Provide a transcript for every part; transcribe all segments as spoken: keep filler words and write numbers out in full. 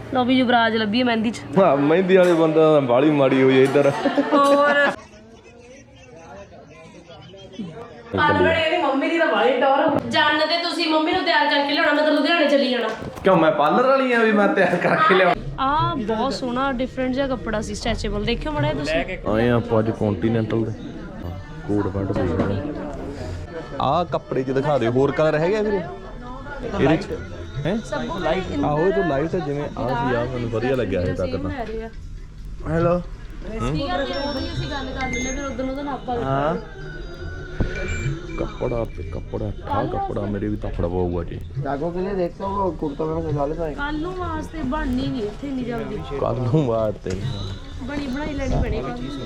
लो भी युवराज लभी है मेहंदी च। हाँ मेहंदी वाले बंदा बाली माड़ी हुई है इधर। और मम्मी दी तां बाली टौर जानदे तुसीं मम्मी नूं तैयार करके लियाउणा मैं तां लुधियाणे चली जाना। क्यों मैं पार्लर वाली हां भी मैं तैयार करके लिया। आ बहुत सोहना डिफरेंट जिहा कपड़ा सी स्ट्रैचेबल देखियो मड़ा तुसीं। आए ਆਪਾਂ ਅੱਜ ਕੌਂਟੀਨੈਂਟਲ ਦੇ ਕੋਟ ਪੈਂਟ ਦੇਖ ਰਹੇ ਆ ਕੱਪੜੇ ਚ ਦਿਖਾ ਦਿਓ ਹੋਰ ਕਲਰ ਹੈਗਾ ਵੀਰੇ ਇਹਦੇ ਚ ਹੈ ਆਹੋ ਇਹ ਤਾਂ ਲਾਈਟ ਹੈ ਜਿਵੇਂ ਆ ਸੀ ਆ ਮੈਨੂੰ ਵਧੀਆ ਲੱਗਿਆ ਇਹ ਤੱਕ ਤਾਂ ਹੈਲੋ ਕੀ ਕਰਦੇ ਉਹਦੀ ਅਸੀਂ ਗੱਲ ਕਰ ਲੈਂਦੇ ਫਿਰ ਉਦੋਂ ਉਹਦਾ ਨਾਪਾ ਹਾਂ कपड़ा पे कपड़ा था कपड़ा मेरे भी तफड़ा हुआ जी जागो के लिए देखता हूँ कुर्ता में सजा लेता है कल नूं वास्ते बननी नहीं इत्थे नहीं जल्दी कल नूं वास्ते बनी बनाई लेनी पड़ेगी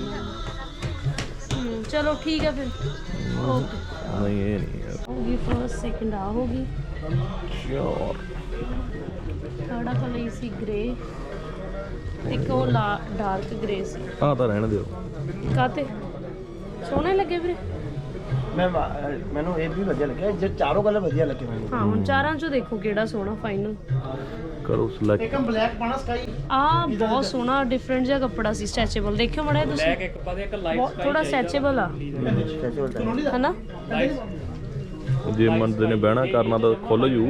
हम्म चलो ठीक है फिर ओके नहीं ये नहीं यार होगी फर्स्ट सेकंड आ होगी श्योर थर्ड कलर इसी ग्रे एक वो ला डार्क ग्रे सी आ तो रहने दियो काते सोने लगे फिर मैं मैंने ये भी बढ़िया लगे जो चारों कलर बढ़िया लगे मैंने हाँ हुन चारां चो देखो केड़ा सोना फाइनल करो सिलेक्ट एकदम ब्लैक पाना स्काई आ बहुत सोना डिफरेंट जिहा कपड़ा सी स्ट्रैचेबल देखियो मड़ा तुसीं ब्लैक एक पा एक लाइट थोड़ा स्ट्रैचेबल आ है ना जे मंदे ने बहना करना तो खुल जू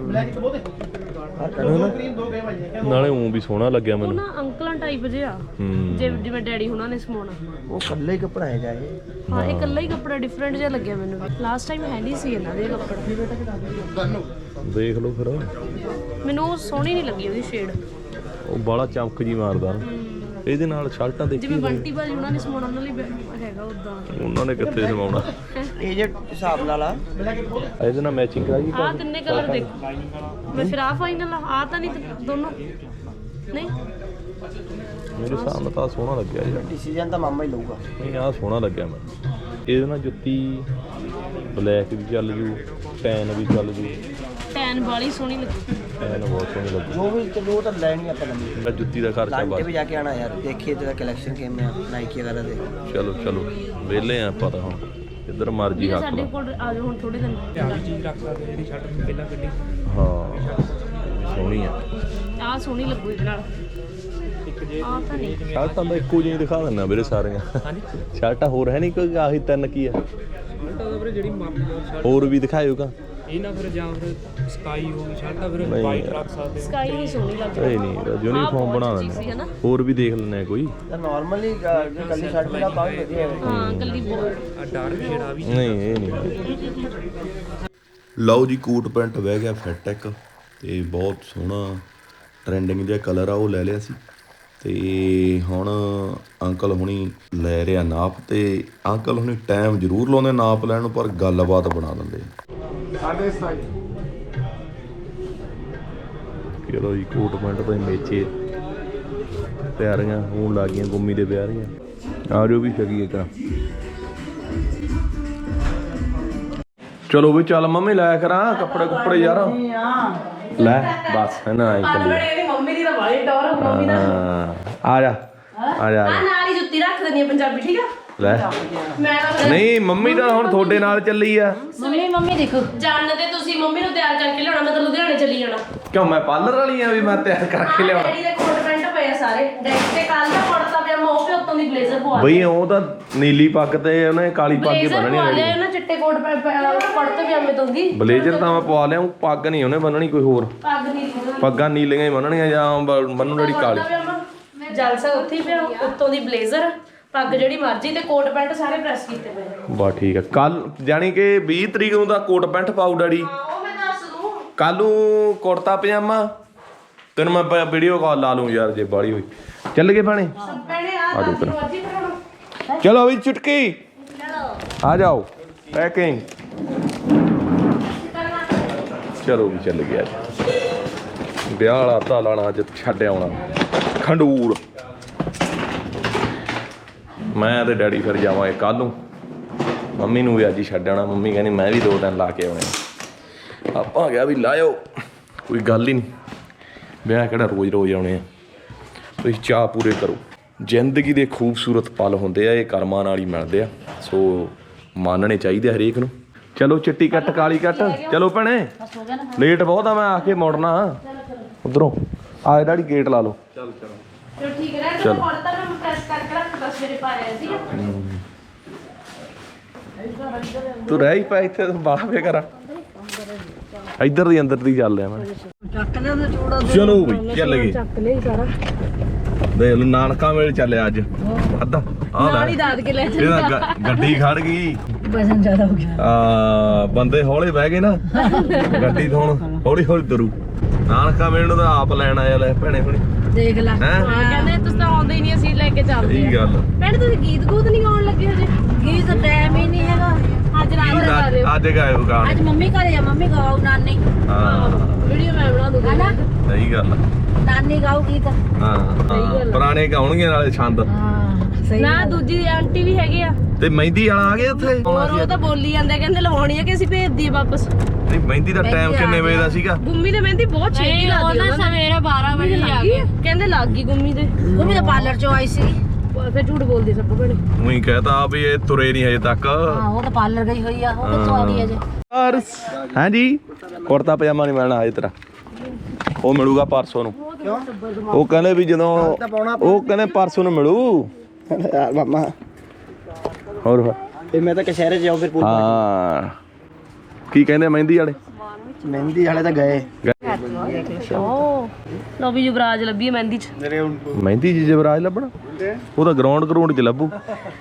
नाले ऊं भी सोहना लग्या ਉਹ मैनू ਨਾ ਅੰਕਲਾਂ ਟਾਈਪ ਜਿਹਾ हम्म ਜੇ ਜਿਵੇਂ ਡੈਡੀ ਹੁਣਾਂ ਨੇ ਸਮਾਉਣਾ वो कल्ले ही कपड़ा है जाए ਹਾਂ ਇਹ ਇਕੱਲਾ ਹੀ ਕੱਪੜਾ ਡਿਫਰੈਂਟ ਜਿਹਾ ਲੱਗਿਆ ਮੈਨੂੰ ਵੀ ਲਾਸਟ ਟਾਈਮ ਹੈ ਨਹੀਂ ਸੀ ਇਹਨਾਂ ਦੇ ਕੱਪੜਾ देख लो फिर ਮੈਨੂੰ ਉਹ ਸੋਹਣੀ ਨਹੀਂ ਲੱਗੀ ਉਹਦੀ ਸ਼ੇਡ ਉਹ ਬਾਲਾ ਚਮਕ ਜੀ ਮਾਰਦਾ ਇਹਦੇ ਨਾਲ ਸ਼ਰਟਾਂ ਦੇਖੀ ਜਿਵੇਂ ਬੰਟੀ ਭਾਜੀ ਉਹਨਾਂ ਨੇ ਸਮਾਉਣਾ ਉਹਨਾਂ ਲਈ ਹੈਗਾ ਉਦਾਂ ਉਹਨਾਂ ਨੇ ਕਿੱਥੇ ਸਮਾਉਣਾ ये जो हिसाब नाल आ ਇਹਦੇ ਨਾਲ ਮੈਚਿੰਗ ਕਰਾਈ ਆਹ ਤਿੰਨੇ ਕਲਰ ਦੇਖੋ ਮੈਂ ਫਿਰ ਆ ਫਾਈਨਲ ਆ ਤਾਂ ਨਹੀਂ ਦੋਨੋਂ ਨਹੀਂ ਮੇਰੇ ਹਿਸਾਬ ਨਾਲ ਤਾਂ ਸੋਹਣਾ ਲੱਗਿਆ ਯਾਰ डिसीजन तो मामा ही लूगा ਨਹੀਂ ਆਹ ਸੋਹਣਾ ਲੱਗਿਆ ਮੈਨੂੰ ਇਹਦੇ ਨਾਲ ਜੁੱਤੀ ਬਲੈਕ ਵੀ ਚੱਲ ਜੂ ਟੈਨ ਵੀ ਚੱਲ ਜੂ ਟੈਨ ਵਾਲੀ ਸੋਹਣੀ ਲੱਗੀ ਟੈਨ ਬਹੁਤ ਸੋਹਣੀ ਲੱਗੀ जो भी चलो वो तो लेनी अपन लंबी ਮੈਂ ਜੁੱਤੀ ਦਾ ਖਰਚਾ लांटे ਬਸ भी जाके आना यार देखिए तेरा कलेक्शन के में नाइकी वगैरह दे ਚਲੋ ਚਲੋ ਵਿਹਲੇ ਆ ਆਪਾਂ ਤਾਂ ਹੁਣ ਜਿੱਧਰ ਮਰਜੀ ਹੱਥ ਸਾਡੇ ਲਾ ਕੋਲ ਆ ਜਾਓ ਹੁਣ ਥੋੜੇ ਦਿਨ सारी चीज रख सकते हैं शर्ट पहला गड्डी ਹਾਂ ਸੋਹਣੀ ਆ ਆਹ ਸੋਹਣੀ ਲੱਗੂ ਇਹਦੇ ਨਾਲ ਆਹ ਤਾਂ ਨਹੀਂ ਸ਼ਰਟਾਂ ਦਾ ਇੱਕੋ ਜਿਹੀ ਦਿਖਾ ਦਿੰਦਾ ਵੀਰੇ ਸਾਰੀਆਂ ਹਾਂਜੀ ਸ਼ਰਟਾਂ ਹੋਰ ਹੈ ਨਹੀਂ ਕੋਈ ਆਹੀ ਤਿੰਨ ਕੀ ਆ शर्ट ਵੀਰੇ ਜਿਹੜੀ ਮਾਪੀ शर्ट ਹੋਰ ਵੀ ਦਿਖਾਇਓਗਾ ਇਹ ਨਾ ਫਿਰ ਜਾਂ ਫਿਰ ਸਕਾਈ ਹੋ ਗਈ ਸ਼ਰਟ ਫਿਰ ਨਹੀਂ ਵਾਈਟ ਯਾਰ। ਰੱਖ ਸਕਦੇ ਸਕਾਈ ਨਹੀਂ ਸੋਹਣੀ ਲੱਗਦੀ ਇਹ ਨਹੀਂ ਯੂਨੀਫਾਰਮ ਬਣਾ ਦਿੰਦੇ ਨਾ ਹੋਰ ਵੀ ਦੇਖ ਲੈਣੇ ਕੋਈ ਨਾਰਮਲੀ ਕੱਲੀ ਸ਼ਰਟ ਮੇਰਾ ਕਾਫੀ ਵਧੀਆ ਹੈ ਹਾਂ ਕੱਲੀ ਬਹੁਤ ਆ ਡਾਰਕ ਸ਼ੇਡ ਆ ਵੀ ਨਹੀਂ ਇਹ ਨਹੀਂ ਲਓ ਜੀ ਕੋਟ ਪੈਂਟ ਵਹਿ ਗਿਆ ਫਿੱਟ ਇੱਕ ਤੇ ਬਹੁਤ ਸੋਹਣਾ ਟ੍ਰੈਂਡਿੰਗ ਜਿਹਾ ਕਲਰ ਆ ਉਹ ਲੈ ਲਿਆ ਸੀ ਤੇ ਹੁਣ ਅੰਕਲ ਹੁਣੀ ਲੈ ਰਿਹਾ ਨਾਪ ਤੇ ਅੰਕਲ ਹੁਣੀ ਟਾਈਮ ਜ਼ਰੂਰ ਲਾਉਂਦੇ ਨਾਪ ਲੈਣ ਨੂੰ ਪਰ ਗੱਲਬਾਤ ਬਣਾ ਦਿੰਦੇ ਚਲੋ ਜੀ ਕੋਟ ਪੈਂਟ ਤੋਂ ਮੇਚੇ ਤਿਆਰੀਆਂ ਹੋਣ ਲੱਗ ਗਈਆਂ ਗੁੰਮੀ ਦੇ ਵਿਆਹ ਦੀਆਂ ਆ ਜਾਓ ਵੀ ਛਕੀਏ ਕਰਾਂ ਚਲੋ ਵੀ ਚੱਲ ਮੰਮੀ ਲੈ ਕਰਾਂ ਕੱਪੜੇ ਕੁੱਪੜੇ ਯਾਰ ਲੈ ਬਸ ਹੈ ਨਾ ਆਈ ਚੱਲੀ ਮੰਮੀ ਦੀ ਤਾਂ ਵਾਲੀ ਟੌਰ ਮੰਮੀ ਦਾ ਆ ਜਾ ਆ ਜਾ ਆ ਨਾਲ ਹੀ ਜੁੱਤੀ ਰੱਖ ਦਿੰਦੀ ਆ ਪੰਜਾਬੀ ਠੀਕ ਆ ਲੈ ਮੈਂ ਤਾਂ ਨਹੀਂ ਮੰਮੀ ਤਾਂ ਹੁਣ ਤੁਹਾਡੇ ਨਾਲ ਚੱਲੀ ਆ ਮੰਮੀ ਮੰਮੀ ਦੇਖੋ ਜਾਣਦੇ ਤੁਸੀਂ ਮੰਮੀ ਨੂੰ ਤਿਆਰ ਕਰਕੇ ਲਿਆਉਣਾ ਮੈਂ ਤਾਂ ਲੁਧਿਆਣੇ ਚਲੀ ਜਾਣਾ ਕਿਉਂ ਮੈਂ ਪਾਰਲਰ ਵਾਲੀ ਆ ਵੀ ਮੈਂ ਤਿਆਰ ਕਰਕੇ ਲਿਆਉਣਾ ਡੈਡੀ ਦੇ ਕੋਟ ਪੈਂਟ ਪਏ ਆ ਸਾਰੇ ਡੈਡੀ ਤੇ ਕੱਲ ਦਾ ਕੁੜਤਾ ਪਜਾਮਾ ਉਹ ਵੀ ਉੱਤੋਂ ਦੀ ਬਲੇਜ਼ਰ ਪਵਾ ਬਈ ਉਹ ਤਾਂ ਨੀਲੀ ਪੱਗ ਤੇ ਉਹਨੇ ਕਾਲੀ ਪੱਗ ਹੀ ਬਲੇਜ਼ਰ ਬੰਨਣੀ ਪਵਾ ਹੈ ਲਿਆ ਉਹਨਾਂ ਚਿੱਟੇ ਕੋਟ ਕੁੜਤੇ ਪਜਾਮੇ ਤੋਂ ਦੀ ਬਲੇਜ਼ਰ ਤਾਂ ਮੈਂ ਪਵਾ ਲਿਆ ਉਹ ਪੱਗ ਨਹੀਂ ਉਹਨੇ ਬੰਨਣੀ ਕੋਈ ਹੋਰ ਪੱਗ ਨਹੀਂ ਪੱਗਾਂ ਨੀਲੀਆਂ ਹੀ ਬੰਨਣੀਆਂ ਜਾਂ ਬੰਨੂ ਜਿਹੜੀ ਕਾਲੀ ਜਲਸਾ ਉੱਥੇ ਹੀ ਪਿਆ ਉੱਤੋਂ ਦੀ ਬਲੇਜ਼ਰ ਪੱਗ ਜਿਹੜੀ ਮਰਜ਼ੀ ਤੇ ਕੋਟ ਪੈਂਟ ਸਾਰੇ ਪ੍ਰੈਸ ਕੀਤੇ ਪਏ ਬਾ ਠੀਕ ਆ ਕੱਲ ਜਾਨੀ ਕਿ ਵੀਹ ਤਰੀਕ ਨੂੰ ਤਾਂ ਕੋਟ ਪੈਂਟ ਪਾਉ ਡੈਡੀ ਹਾਂ ਉਹ ਮੈਂ ਦੱਸ ਦੂੰ ਕੱਲ ਨੂੰ ਕੁੜਤਾ ਪਜਾਮਾ ਤੈਨੂੰ ਮੈਂ ਵੀਡੀਓ ਕਾਲ ਲਾ ਲੂੰ ਯਾਰ ਜੇ ਬਾਲੀ ਹੋਈ ਚੱਲ ਗਏ ਭਾਣੇ ਭੈਣੇ ਆ ਆ ਜਾਓ ਫਿਰ। ਮਰਜ਼ੀ ਕਰਾਉਣਾ ਚਲੋ ਵੀ ਚੁਟਕੀ ਆ ਜਾਓ ਪੈਕਿੰਗ ਚਲੋ ਵੀ ਚੱਲ ਗਿਆ ਵਿਆਹ ਵਾਲਾ ਤਾਂ ਲਾਣਾ ਅੱਜ ਛੱਡ ਆਉਣਾ ਖੰਡੂਰ ਮੈਂ ਤੇ ਡੈਡੀ ਫਿਰ ਜਾਵਾਂਗੇ ਕੱਲ ਨੂੰ ਮੰਮੀ ਨੂੰ ਵੀ ਅੱਜ ਹੀ ਛੱਡ ਆਉਣਾ ਮੰਮੀ ਕਹਿੰਦੀ ਮੈਂ ਵੀ ਦੋ ਦਿਨ ਲਾ ਕੇ ਆਉਣੇ ਆਪਾਂ ਗਿਆ ਵੀ ਲਾਇਓ ਕੋਈ ਗੱਲ ਹੀ ਨਹੀਂ ਵਿਆਹ ਕਿਹੜਾ ਰੋਜ਼ ਰੋਜ਼ ਆਉਣੇ ਆ ਤੁਸੀਂ ਚਾਅ ਪੂਰੇ ਕਰੋ ਜ਼ਿੰਦਗੀ ਦੇ ਖੂਬਸੂਰਤ ਪਲ ਹੁੰਦੇ ਆ ਇਹ ਕਰਮਾਂ ਨਾਲ ਹੀ ਮਿਲਦੇ ਆ ਸੋ ਮੰਨਣੇ ਚਾਹੀਦੇ ਹਰੇਕ ਨੂੰ ਚਲੋ ਚਿੱਟੀ ਕੱਟ ਕਾਲੀ ਕੱਟ ਚਲੋ ਭੈਣੇ ਲੇਟ ਬਹੁਤ ਆ ਮੈਂ ਆ ਕੇ ਮੁੜਨਾ ਉਧਰੋਂ ਆ ਡੈਡੀ ਗੇਟ ਲਾ ਲਓ। ਚਲੋ ਠੀਕ ਹੈ ਚਲੋ। ਨਾ ਤਾਂ ਮੈਂ ਪ੍ਰੈਸ ਕਰਕੇ ਰੱਖਦਾ ਸਵੇਰੇ ਪਾਇਆ ਸੀ ਤੂੰ ਰਹਿ ਹੀ ਪਾ ਇੱਥੇ ਬਾਹਰ ਵੇ ਕਰਾਂ ਇੱਧਰ ਦੀ ਅੰਦਰ ਦੀ ਚੱਲ ਆ ਮੈਂ ਚਲੋ ਬਈ ਚੱਲ ਗਏ ਚੱਕ ਲਿਆ ਸਾਰਾ ਦੇਖ ਲਓ ਨਾਨਕਾ ਮੇਲ ਚੱਲਿਆ ਅੱਜ ਅੱਧਾ ਆ ਨਾਲ ਹੀ ਲੈ ਦਾਦ ਕੇ ਲੈ ਇਹਦਾ ਗ- ਗੱਡੀ ਖੜ ਗਈ ਵਜ਼ਨ ਜ਼ਿਆਦਾ ਹੋ ਗਿਆ ਆ ਬੰਦੇ ਹੌਲੇ ਬਹਿ ਗਏ ਨਾ ਗੱਡੀ ਤੋਂ ਹੁਣ ਹੌਲੀ ਹੌਲੀ ਤੁਰੂ ਨਾਨਕਾ ਮੇਲ ਨੂੰ ਤਾਂ ਆਪ ਲੈਣ ਆਇਆ ਲੈ ਭੈਣੇ ਹੁਣੀ ਦੇਖ ਲੈ ਹੈਂ? ਹਾਂ ਕਹਿੰਦੇ ਤੁਸੀਂ ਤਾਂ ਆਉਂਦੇ ਹੀ ਨਹੀਂ ਅਸੀਂ ਲੈ ਕੇ ਚੱਲਦੇ ਸਹੀ ਗੱਲ ਭੈਣ ਤੁਸੀਂ ਗੀਤ ਗੂਤ ਨਹੀਂ ਗਾਉਣ ਲੱਗੇ ਹਜੇ ਗੀਤ ਤਾਂ ਟਾਈਮ ਹੀ ਨਹੀਂ ਹੈਗਾ ਅੱਜ ਰਾਤ ਨੂੰ ਗਾ ਦਿਓ ਅੱਜ ਗਾਇਓ ਗਾਣੇ ਅੱਜ ਮੰਮੀ ਘਰੇ ਆ ਮੰਮੀ ਗਾਉ ਨਾਨੀ ਹਾਂ ਵੀਡੀਓ ਮੈਂ ਬਣਾ ਦੂੰਗਾ ਹਨਾ ਸਹੀ ਗੱਲ ਆ। ਨਾਨੀ ਗਾਉ ਗੀਤ ਹਾਂ ਹਾਂ ਪੁਰਾਣੇ ਗਾਉਣਗੇ ਨਾਲੇ ਛੰਦ ਹਾਂ ਸਹੀ ਨਾ ਦੂਜੀ ਆਂਟੀ ਵੀ ਹੈਗੇ ਆ ਤੇ ਮਹਿੰਦੀ ਵਾਲਾ ਆ ਗਿਆ ਉੱਥੇ ਹੋਰ ਉਹ ਤਾਂ ਬੋਲੀ ਜਾਂਦੇ ਕਹਿੰਦੇ ਲਵਾਉਣੀ ਆ ਕਿ ਅਸੀਂ ਭੇਜ ਦਈਏ ਵਾਪਸ ਨਹੀਂ ਮਹਿੰਦੀ ਦਾ ਟਾਈਮ ਕਿੰਨੇ ਵਜੇ ਦਾ ਸੀਗਾ ਗੁੰਮੀ ਦੇ ਮਹਿੰਦੀ ਬਹੁਤ ਛੇਤੀ ਲੱਗਦੀ ਉਹਨਾਂ ਸਵੇਰੇ ਬਾਰਾਂ ਵਜੇ ਆ ਗਏ ਕਹਿੰਦੇ ਲੱਗ ਗਈ ਗੁੰਮੀ ਦੇ ਮੰਮੀ ਤਾਂ ਪਾਰਲਰ ਚੋਂ ਆਈ ਸੀ ਫਿਰ ਝੂਠ ਬੋਲਦੀ ਸਭ ਭੈਣੇ ਉਹੀ ਕਹਤਾ ਵੀ ਇਹ ਤੁਰੇ ਨਹੀਂ ਹਜੇ ਤੱਕ ਹਾਂ ਉਹ ਤਾਂ ਪਾਰਲਰ ਗਈ ਹੋਈ ਆ ਉਹ ਕਿੱਥੋਂ ਆ ਗਈ ਅਜੇ ਔਰ ਹਾਂਜੀ ਕੁੜਤਾ ਪਜਾਮਾ ਨਹੀਂ ਮਿਲਣਾ ਹਜੇ ਤੇਰਾ ਉਹ ਮਿਲੂਗਾ ਪਰਸੋਂ ਨੂੰ ਉਹ ਕਹਿੰਦੇ ਵੀ ਜਦੋਂ ਉਹ ਕਹਿੰਦੇ ਪਰਸੋਂ ਨੂੰ ਮਿਲੂ ਯਾਰ ਮਾਮਾ ਹੋਰ ਫਿਰ ਫਿਰ ਮੈਂ ਤਾਂ ਕਸ਼ਹਿਰੇ ਚ ਜਾਉ ਫਿਰ ਹਾਂ ਕੀ ਕਹਿੰਦੇ ਮਹਿੰਦੀ ਵਾਲੇ ਮਹਿੰਦੀ ਵਾਲੇ ਤਾਂ ਗਏ ਓ ਲੋ ਵੀ ਯੁਵਰਾਜ ਲੱਭੀ ਹੈ ਮਹਿੰਦੀ ਚ ਮਹਿੰਦੀ ਜੀ ਜਵਰਾਜ ਲੱਭਣਾ ਉਹ ਤਾਂ ਗਰਾਊਂਡ ਗਰਾਊਂਡ 'ਚ ਲੱਭੂ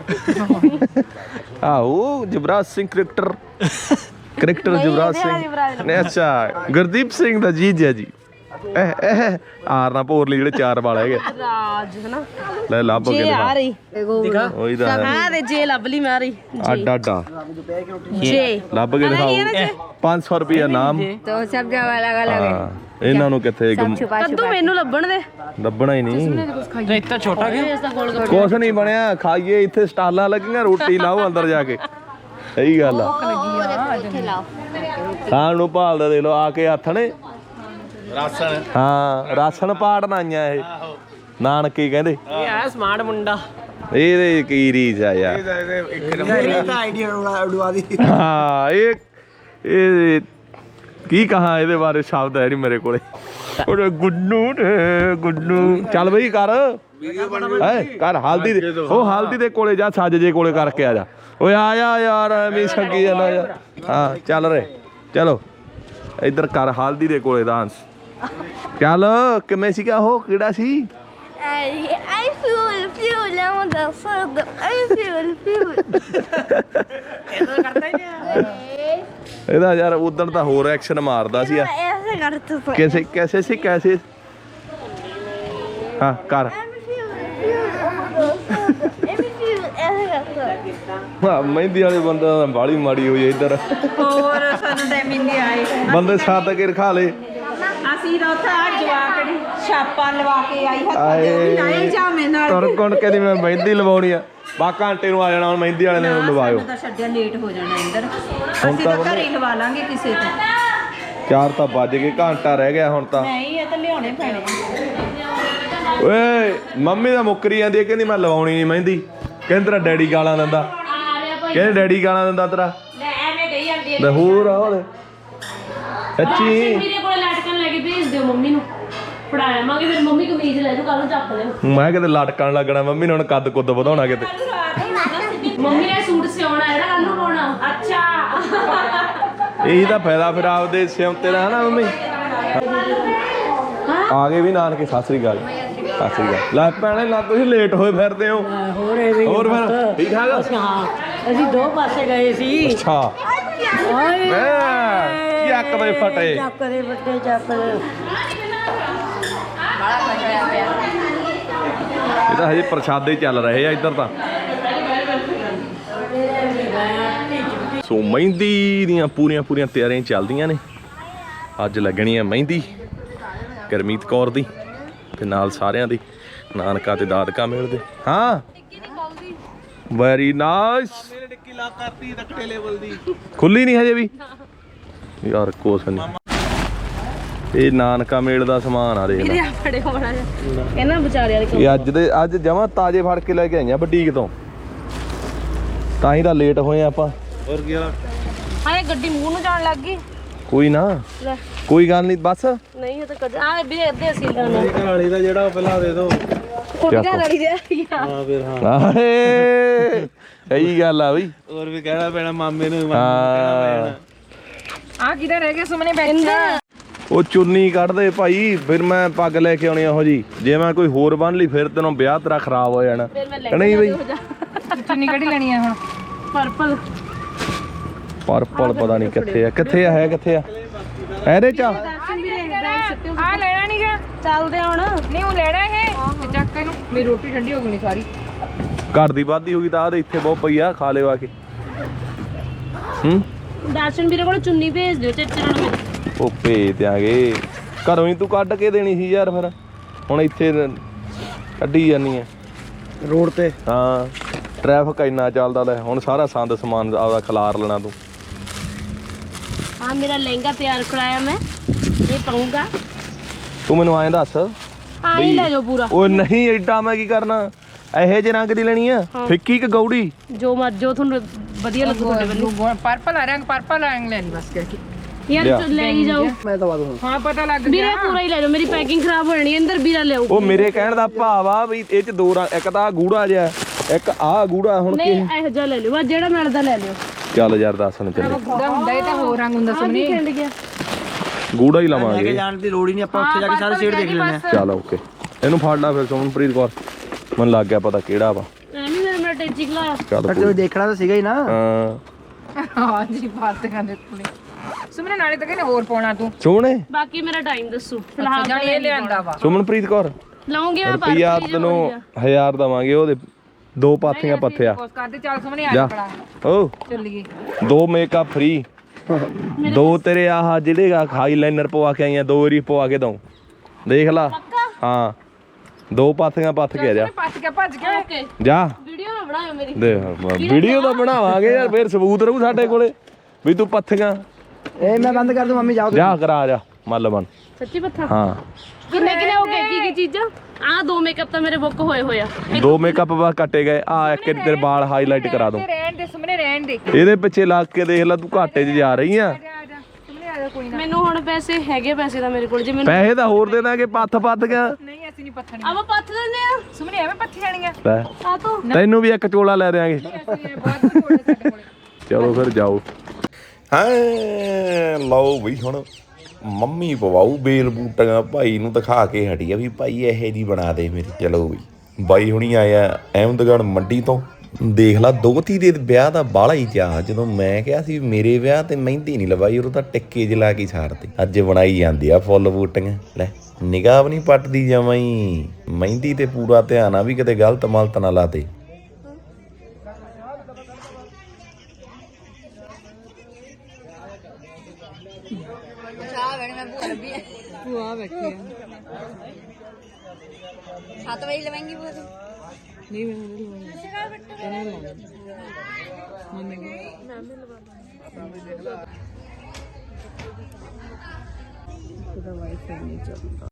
ਆਹੋ ਜਵਰਾਜ ਸਿੰਘ ਕ੍ਰਿਕਟਰ ਕ੍ਰਿਕਟਰ ਜਵਰਾਜ ਸਿੰਘ ਨੇ ਅੱਛਾ ਗੁਰਦੀਪ ਸਿੰਘ ਦਾ ਜੀਜਾ ਜੀ ਇਹ ਇਹ ਆਰ ਨਾ ਭੋਰ ਲਈ ਜਿਹੜੇ ਚਾਰ ਵਾਲ ਹੈਗੇ ਰਾਜ ਹਨਾ ਲੈ ਲੱਭ ਕੇ ਜੇ ਆ ਦਿਖਾ ਰਹੀ ਉਹੀ ਤਾਂ ਹੈ। ਹਾਂ ਤੇ ਜੇ ਲੱਭ ਲਈ ਮੈਂ ਆ ਰਹੀ ਅੱਡ ਅੱਡ ਆ। ਜੇ ਲੱਭ ਕੇ ਦਿਖਾਓ ਪੰਜ ਸੌ ਰੁਪਏ ਨਾਮ तो सब जगह अलग अलग ਹਾਂ ਇਹਨਾਂ ਨੂੰ ਕਿੱਥੇ ਗੁੰਮ- ਕੱਦੂ ਮੈਨੂੰ ਲੱਭਣ ਦੇ ਲੱਭਣਾ ਹੀ ਨਹੀਂ ਇੱਥੇ ਛੋਟਾ ਗਿਆ ਇਸ ਦਾ ਗੋਲ ਗੱਪੇ ਕੁਛ ਨਹੀਂ ਬਣਿਆ ਖਾਈਏ ਇੱਥੇ ਸਟਾਲਾਂ ਲੱਗੀਆਂ ਰੋਟੀ ਲਾਓ ਅੰਦਰ ਜਾ ਕੇ ਸਹੀ ਗੱਲ ਆ ਖਾਣ ਨੂੰ ਭਾਲਦਾ ਦੇ ਲੋ ਆ ਕੇ ਹੱਥ ਨੇ ਰਾਸ਼ਨ ਹਾਂ ਰਾਸ਼ਨ ਪਾੜਨ ਆਈਆਂ ਇਹ ਨਾਨਕੀ ਕਹਿੰਦੇ ਇਹ ਆ ਸਮਾਰਟ ਮੁੰਡਾ ਇਹਦੇ ਕੀ ਰੀਸ ਆ ਯਾਰ ਇਹ ਤਾਂ ਆਈਡੀਆ ਉਡਵਾ ਦੀ ਹਾਂ ਇਹ ਇਹ ਕੀ ਕਹਾ ਇਹਦੇ ਬਾਰੇ ਸ਼ਬਦ ਹੈ ਨਹੀਂ ਮੇਰੇ ਕੋਲੇ ਉਹ ਗੁੱਡੂ ਨੇ ਗੁੱਡੂ ਚੱਲ ਬਈ ਕਰ ਹੈ ਕਰ ਹਲਦੀ ਦੇ ਉਹ ਹਲਦੀ ਦੇ ਕੋਲੇ ਜਾ ਸੱਜ ਜੇ ਕੋਲੇ ਕਰਕੇ ਆ ਜਾ ਓਏ ਆ ਜਾ ਯਾਰ ਐਵੇਂ ਸੰਗੀ ਜਾਂਦਾ ਯਾਰ ਹਾਂ ਚੱਲ ਰੇ ਚਲੋ ਇੱਧਰ ਕਰ ਹਲਦੀ ਦੇ ਕੋਲੇ ਡਾਂਸ ਚੱਲ ਕਿਵੇਂ ਸੀਗਾ ਉਹ ਕਿਹੜਾ ਸੀ I I feel feel now the food. I feel feel. ਇਹਦਾ ਯਾਰ ਉਦੋਂ ਤਾਂ ਹੋਰ ਐਕਸ਼ਨ ਮਾਰਦਾ ਸੀ ऐसे करते थे. कैसे कैसे से कैसे हाँ कर हाँ ਮਹਿੰਦੀ ਵਾਲੇ ਬੰਦਾ ਬਾਲੀ ਮਾੜੀ ਹੋਈ ਇੱਧਰ ਹੋਰ ਸਾਨੂੰ ਟਾਈਮ ਹੀ ਨਹੀਂ ਆਏ ਬੰਦੇ ਸਾਥ ਕੇ ਰਖਾ ਲੇ ਅਸੀਂ ਤਾਂ ਉੱਥੇ ਆ ਜਵਾਕੜੀ ਛਾਪਾ ਲਵਾ ਕੇ ਆਈ ਹੱਥਾਂ ਆਏ। ਤੇ ਉਹ ਵੀ ਲਾਏ ਜਾਮੇ ਨਾਲ ਤੁਰ ਕੋਣ ਕਹਿੰਦੀ ਮੈਂ ਮਹਿੰਦੀ ਲਵਾਉਣੀ ਆ ਬਾ ਘੰਟੇ ਨੂੰ ਆ ਜਾਣਾ ਹੁਣ ਮਹਿੰਦੀ ਵਾਲੇ ਨੇ ਲਵਾਇਓ ਤਾਂ ਛੱਡਿਆ ਲੇਟ ਹੋ ਜਾਣਾ ਇੰਦਰ ਹੁਣ ਅਸੀਂ ਤਾਂ ਤਾਂ ਘਰੇ ਹੀ ਲਵਾ ਲਾਂਗੇ ਕਿਸੇ ਤੋਂ ਚਾਰ ਤਾਂ ਵੱਜ ਗਏ ਘੰਟਾ ਰਹਿ ਗਿਆ ਹੁਣ ਤਾਂ ਨਹੀਂ ਇਹ ਤਾਂ ਲਿਆਉਣੇ ਪੈਣੇ ਓਏ ਮੰਮੀ ਦਾ ਮੁੱਕਰੀ ਜਾਂਦੀ ਹੈ ਕਹਿੰਦੀ ਮੈਂ ਲਵਾਉਣੀ ਨਹੀਂ ਮਹਿੰਦੀ ਕਹਿੰਦੀ ਤੇਰਾ ਡੈਡੀ ਗਾਲਾਂ ਦਿੰਦਾ ਕਹਿੰਦੇ ਡੈਡੀ ਗਾਲਾਂ ਦਿੰਦਾ ਤੇਰਾ ਲੈ ਐਵੇਂ ਗਈ ਜਾਂਦੀ ਹੈ ਲੈ ਹੋਰ ਆ ਉਹਦੇ ਸੱਚੀ ਮੇਰੇ ਕੋਲ ਲਟਕਣ ਲੈ ਕੇ ਭੇਜ ਦਿਓ ਮੰਮੀ ਨੂੰ ਫੜਾਇਆ ਮਾਂਗੇ ਫਿਰ ਮੰਮੀ ਕਮੀਜ਼ ਲੈ ਜਾਓ ਕੱਲ ਨੂੰ ਚੱਕ ਲਿਓ ਮੈਂ ਕਿਤੇ ਲਟਕਣ ਲੱਗਣਾ ਮੰਮੀ ਨੇ ਹੁਣ ਕੱਦ ਕੁੱਦ ਵਧਾਉਣਾ ਕਿਤੇ ਮੰਮੀ ਨੇ ਸੂਟ ਸਿਉਣਾ ਹੈ ਨਾ ਕੱਲ ਨੂੰ ਪਾਉਣਾ ਅੱਛਾ ਇਹੀ ਤਾਂ ਫਾਇਦਾ ਫਿਰ ਆਪਦੇ ਸਿਉਂਤੇ ਦਾ ਹਨਾ ਮੰਮੀ ਆ ਗਏ ਵੀ ਨਾਨਕੇ ਸਤਿ ਸ੍ਰੀ ਅਕਾਲ ਸਤਿ ਸ੍ਰੀ ਅਕਾਲ ਲੈ ਭੈਣੇ ਲਾ ਤੁਸੀਂ ਲੇਟ ਹੋਏ ਫਿਰਦੇ ਹੋ ਹੋਰ ਐਵੇਂ ਹੋਰ ਫਿਰ ਠੀਕ ਠਾਕ ਹਾਂ ਅਸੀਂ ਦੋ ਪਾਸੇ ਗਏ ਸੀ ਅੱਛਾ ਓਏ ਮੈਂ ਕੀ ਅੱਕ ਦੇ ਫਟੇ ਚੱਕ ਦੇ ਵੱਡੇ ਚੱਕ ਦੇ ਇਹ ਤਾਂ ਹਜੇ ਪ੍ਰਸ਼ਾਦੇ ਚੱਲ ਰਹੇ ਆ ਇੱਧਰ ਤਾਂ ਸੋ ਮਹਿੰਦੀ ਦੀਆਂ ਪੂਰੀਆਂ ਪੂਰੀਆਂ ਤਿਆਰੀਆਂ ਚੱਲਦੀਆਂ ਨੇ ਅੱਜ ਲੱਗਣੀ ਹੈ ਮਹਿੰਦੀ ਗੁਰਮੀਤ ਕੌਰ ਦੀ ਤੇ ਨਾਲ ਸਾਰਿਆਂ ਦੀ ਨਾਨਕਾ ਤੇ ਦਾਦਕਾ ਮਿਲਦੇ ਹਾਂ ਵੈਰੀ ਨਾਈਸ ਮੇਰੇ ਟਿੱਕੀ ਲਾ ਕਰਤੀ ਰੱਖੜੇ ਲੈਵਲ ਦੀ ਖੁੱਲੀ ਨਹੀਂ ਹਜੇ ਵੀ ਯਾਰ ਕੁਛ ਨਹੀਂ ਇਹ ਨਾਨਕਾ ਮੇਲ ਦਾ ਸਮਾਨ ਆ ਦੇਖ ਲੈ ਇਹਦੇ ਫੜੇ ਹੋਣਾ ਇਹਨਾਂ ਵਿਚਾਰਿਆਂ ਦੇ ਇਹ ਅੱਜ ਦੇ ਅੱਜ ਜਮਾਂ ਤਾਜ਼ੇ ਫੜ ਕੇ ਲੈ ਕੇ ਆਈਆਂ ਬੁਟੀਕ ਤੋਂ ਤਾਂ ਹੀ ਤਾਂ ਲੇਟ ਹੋਏ ਆਪਾਂ ਹੋਰ ਕੀ ਹਾਲ ਹਾਏ ਗੱਡੀ ਮੂੰਹ ਨੂੰ ਜਾਣ ਲੱਗ ਗਈ ਕੋਈ ਨਾ ਲੈ ਕੋਈ ਗੱਲ ਨਹੀਂ ਬਸ ਨਹੀਂ ਇਹ ਤਾਂ ਕਦੇ ਆ ਵੀ ਅੱਧੇ ਅਸੀਂ ਲੈਣਾ ਘਰ ਵਾਲੀ ਦਾ ਜਿਹੜਾ ਉਹ ਪਹਿਲਾਂ ਦੇ ਦਿਓ ਕੁੜੀ ਘਰ ਵਾਲੀ ਦੇ ਹਾਂ ਫਿਰ ਹਾਂ ਆਏ ਇਹੀ ਗੱਲ ਆ ਬਈ ਹੋਰ ਵੀ ਕਹਿਣਾ ਪੈਣਾ ਮਾਮੇ ਨੂੰ ਹਾਂ ਆ ਕਿਧਰ ਰਹਿ ਗਿਆ ਸੁਮਨੇ ਬੈਠਾ ਉਹ ਚੁੰਨੀ ਕੱਢਦੇ ਭਾਈ ਫਿਰ ਮੈਂ ਪੱਗ ਲੈ ਕੇ ਆਉਣੀ ਇਹੋ ਜੀ ਜੇ ਮੈਂ ਕੋਈ ਹੋਰ ਬੰਨ ਲਈ ਫਿਰ ਤੈਨੂੰ ਵਿਆਹ ਤੇਰਾ ਖਰਾਬ ਹੋ ਜਾਣਾ ਫਿਰ ਮੈਂ ਲੈ ਨਹੀਂ ਬਈ ਚੁੰਨੀ ਕਿਹੜੀ ਲੈਣੀ ਆ ਹੁਣ ਪਰਪਲ ਪਰਪਲ ਪਤਾ ਨਹੀਂ ਕਿੱਥੇ ਆ ਕਿੱਥੇ ਆ ਹੈ ਕਿੱਥੇ ਆ ਇਹਦੇ ਚ ਆ? ਆ ਲੈਣਾ ਨਹੀਂ ਗਾ ਚੱਲਦੇ ਹੁਣ ਨਹੀਂ ਉਹ ਲੈਣਾ ਇਹ ਤੇ ਚੱਕ ਇਹਨੂੰ ਮੇਰੀ ਰੋਟੀ ਠੰਡੀ ਹੋ ਗਈ ਸਾਰੀ ਘਰ ਦੀ ਵਾਧੀ ਹੋ ਗਈ ਤਾਂ ਆ ਦੇ ਇੱਥੇ ਬਹੁਤ ਪਈ ਆ ਖਾ ਲਿਓ ਆ ਕੇ ਹੂੰ ਦਰਸ਼ਨ ਵੀਰੇ ਕੋਲ ਚੁੰਨੀ ਭੇਜ ਦਿਓ ਚੱਚਣ ਨੂੰ ਉਹ ਭੇਜ ਦਿਆਂਗੇ ਘਰੋਂ ਹੀ ਤੂੰ ਕੱਢ ਕੇ ਦੇਣੀ ਸੀ ਯਾਰ ਫਿਰ ਹੁਣ ਇੱਥੇ ਕੱਢੀ ਜਾਨੀ ਆ ਰੋਡ ਤੇ ਹਾਂ ਟ੍ਰੈਫਿਕ ਇੰਨਾ ਚੱਲਦਾ ਲੈ ਹੁਣ ਸਾਰਾ ਸੰਦ ਸਮਾਨ ਆਪਦਾ ਖਿਲਾਰ ਲੈਣਾ ਤੂੰ ਹਾਂ ਮੇਰਾ ਲਹਿੰਗਾ ਤਿਆਰ ਕਰਾਇਆ ਮੈਂ ਇਹ ਪਾਉਂਗਾ ਤੂੰ ਮੈਨੂੰ ਐਂ ਦੱਸ ਹਾਂ ਇਹ ਲੈ ਜਾਓ ਪੂਰਾ ਉਹ ਨਹੀਂ ਐਡਾ ਮੈਂ ਕੀ ਕਰਨਾ ਇਹੋ ਜਿਹੇ ਰੰਗ ਦੀ ਲੈਣੀ ਆ ਫਿੱਕੀ ਕਿ ਗੌੜੀ ਜੋ ਮਰ ਜੋ ਤੁਹਾਨੂੰ ਵਧੀਆ ਲੱਗੂ ਤੁਹਾਡੇ ਵੱਲੋਂ ਪਰਪਲ ਆ ਰੰਗ ਪਰਪਲ ਰੰਗ ਲੈਣੀ ਬਸ ਕਰਕੇ ਯਾਰ ਲੈ ਹੀ ਜਾਓ ਮੈਂ ਤਾਂ ਬਾਦੂ ਹਾਂ ਪਤਾ ਲੱਗ ਵੀਰੇ ਗਿਆ ਪੂਰਾ ਹੀ ਲੈ ਜਾਓ ਮੇਰੀ ਪੈਕਿੰਗ ਖਰਾਬ ਹੋ ਜਾਣੀ ਹੈ ਅੰਦਰ ਵੀਰਾ ਲਿਆਓ ਉਹ ਮੇਰੇ ਕਹਿਣ ਦਾ ਭਾਵ ਆ ਵੀ ਇਹ ਚ ਦੋ ਰੰਗ ਇੱਕ ਤਾਂ ਆਹ ਗੂੜਾ ਜਿਹਾ ਇੱਕ ਆਹ ਗੂੜਾ ਹੁਣ ਨਹੀਂ ਇਹੋ ਜਿਹਾ ਲੈ ਲਿਓ ਬਸ ਜਿਹੜਾ ਮਿਲਦਾ ਲੈ ਲਿਓ ਚੱਲ ਯਾਰ ਦੱਸ ਹੁਣ ਚੱਲੇ ਗੂੜਾ ਹੁੰਦਾ ਇਹ ਤਾਂ ਹੋਰ ਰੰਗ ਹੁੰਦਾ ਆ ਕੀ ਖਿੰਡ ਗਿਆ ਗੂੜਾ ਹੀ ਲੈ ਕੇ ਲਵਾਂਗੇ ਜਾਣ ਦੀ ਲੋੜ ਹੀ ਨਹੀਂ ਆਪਾਂ ਉੱਥੇ ਜਾ ਕੇ ਸਾਰੇ ਸ਼ੇਡ ਦੇਖ ਲੈਣੇ ਆ ਚੱਲ ਓਕੇ ਇਹਨੂੰ ਫੜ ਲਾ ਫਿਰ ਸੁਮਨਪ੍ਰੀਤ ਕੌਰ ਮੈਨੂੰ ਲੱਗ ਗਿਆ ਪਤਾ ਕਿਹੜਾ ਵਾ ਐਵੇਂ ਮੇਰੇ ਮੇਰਾ ਟੈਚੀ ਖਲਾਇਆ ਚੱਲ ਪਰ ਕੋਈ- ਤੈਨੂੰ ਦੇਖਣਾ ਤਾਂ ਸੀਗਾ ਹੀ ਨਾ ਹਾਂ ਹਾਂ ਜੀ ਬਾਤ ਕਰਦੇ ਕੋਲੇ ਸੁਮਨੇ ਨਾਲੇ ਤਾਂ ਕਹਿੰਦੇ ਹੋਰ ਪਾਉਣਾ ਤੂੰ ਸੋਹਣੇ ਬਾਕੀ ਮੇਰਾ ਟਾਈਮ ਦੱਸੋ ਅੱਛਾ ਫਿਲਹਾਲ ਜਾਨੀ ਇਹ ਲਿਆਂਦਾ ਵਾ ਸੁਮਨਪ੍ਰੀਤ ਕੌਰ ਲਾਉਂਗੇ ਮੈਂ ਪਰ ਰੁਪਈਆ ਤੈਨੂੰ ਹਜ਼ਾਰ ਦਵਾਂਗੇ ਉਹਦੇ ਦੋ ਪਾਥੀਆਂ ਪੱਥਿਆ ਕੋਸ ਕਰਦੇ ਚੱਲ ਸੁਮਨੇ ਆ ਜਾ ਪੜਾ ਓ ਚੱਲੀਏ ਦੋ ਮੇਕਅਪ ਫ੍ਰੀ ਦੋ ਤੇਰੇ ਆਹ ਜਿਹੜੇ ਆ ਹਾਈਲਾਈਨਰ ਪਵਾ ਕੇ ਆਈਆਂ ਦੋ ਵਾਰੀ ਪਵਾ ਕੇ ਦਊਂ ਦੇਖ ਲਾ ਹਾਂ ਦੋ ਪਾਥੀਆਂ ਪੱਥ ਕੇ ਆ ਜਾ ਪੱਟ ਕੇ ਭੱਜ ਕੇ ਓਕੇ ਜਾ ਵੀਡੀਓ ਨਾ ਬਣਾਇਓ ਮੇਰੀ ਦੇਖ ਵੀਡੀਓ ਤਾਂ ਬਣਾਵਾਂਗੇ ਯਾਰ ਫੇਰ ਸਬੂਤ ਰਹੂ ਸਾਡੇ ਕੋਲੇ ਵੀ ਤੂੰ ਪੱਥੀਆਂ ਇਹ ਮੈਂ ਬੰਦ ਕਰ ਦੂੰ ਮੰਮੀ ਜਾਓ ਜਾ ਕਰਾ ਜਾ ਮੱਲ ਬਣ ਸੱਚੀ ਪੱਥਾ ਹਾਂ ਕਿੰਨੇ ਕਿੰਨੇ ਹੋ ਗਏ ਕੀ ਕੀ ਚੀਜ਼ਾਂ ਆਹ ਦੋ ਮੇਕਅਪ ਤਾਂ ਮੇਰੇ ਬੁੱਕ ਹੋਏ ਹੋਏ ਆ ਦੋ ਮੇਕਅਪ ਬਸ ਕੱਟੇ ਗਏ ਆ ਇੱਕ ਤੇਰੇ ਵਾਲ ਹਾਈਲਾਈਟ ਕਰਾ ਦੂੰ ਰਹਿਣ ਦੇ ਸੁਮਨੇ ਰਹਿਣ ਦੇ ਇਹਦੇ ਪਿੱਛੇ ਲੱਗ ਕੇ ਦੇਖ ਲੈ ਤੂੰ ਘਾਟੇ 'ਚ ਜਾ ਰਹੀ ਆ ਆ ਜਾ ਸੁਮਨੇ ਆ ਜਾ ਕੋਈ ਨਾ ਮੈਨੂੰ ਹੁਣ ਪੈਸੇ ਹੈਗੇ ਪੈਸੇ ਤਾਂ ਮੇਰੇ ਕੋਲ ਜੇ ਮੈਨੂੰ ਪੈਸੇ ਤਾਂ ਹੋਰ ਦੇ ਦਾਂਗੇ ਪੱਥ ਪੱਥ ਗਿਆ ਨਹੀਂ ਅਸੀਂ ਨਹੀਂ ਪੱਥਣੀ ਆਵਾ ਪੱਥ ਦਿੰਦੇ ਆ ਸੁਮਨੇ ਐਵੇਂ ਪੱਥੀ ਜਾਣੀਆਂ ਲੈ ਆ ਤੋ ਤੈਨੂੰ ਵੀ ਇੱਕ ਚੋਲਾ ਲੈ ਦਿਆਂਗੇ ਅਸੀਂ ਬਾਅਦ ਵਿੱਚ ਕੋਲੇ ਸਾਡੇ ਕੋਲੇ ਚਲੋ ਫਿਰ ਜਾਓ ਹਾਂ ਲਓ ਬਈ ਹੁਣ ਮੰਮੀ ਪਵਾਉ ਬੇਲ ਬੂਟੀਆਂ ਭਾਈ ਨੂੰ ਦਿਖਾ ਕੇ ਹਟੀ ਆ ਵੀ ਭਾਈ ਇਹੋ ਜੀ ਬਣਾ ਦੇ ਮੇਰੀ ਚਲੋ ਬਈ ਬਾਈ ਹੁਣੀ ਆਇਆ ਅਹਿਮਦਗੜ੍ਹ ਮੰਡੀ ਤੋਂ ਦੇਖ ਲਾ ਦੋਤੀ ਦੇ ਵਿਆਹ ਦਾ ਬਾਹਲਾ ਹੀ ਚਾਅ ਜਦੋਂ ਮੈਂ ਕਿਹਾ ਸੀ ਮੇਰੇ ਵਿਆਹ ਤੇ ਮਹਿੰਦੀ ਨਹੀਂ ਲਵਾਈ ਉਹ ਤਾਂ ਟਿੱਕੇ ਜ ਲਾ ਕੇ ਛਾੜਤੀ ਅੱਜ ਬਣਾਈ ਜਾਂਦੀ ਆ ਫੁੱਲ ਬੂਟੀਆਂ ਲੈ ਨਿਗਾਹ ਵੀ ਨਹੀਂ ਪੱਟਦੀ ਜਮਾਂ ਹੀ ਮਹਿੰਦੀ ਤੇ ਪੂਰਾ ਧਿਆਨ ਆ ਵੀ ਕਿਤੇ ਗਲਤ ਮਲਤ ਨਾ ਲਾਤੇ सात बजे लवेंगी वो नहीं मैं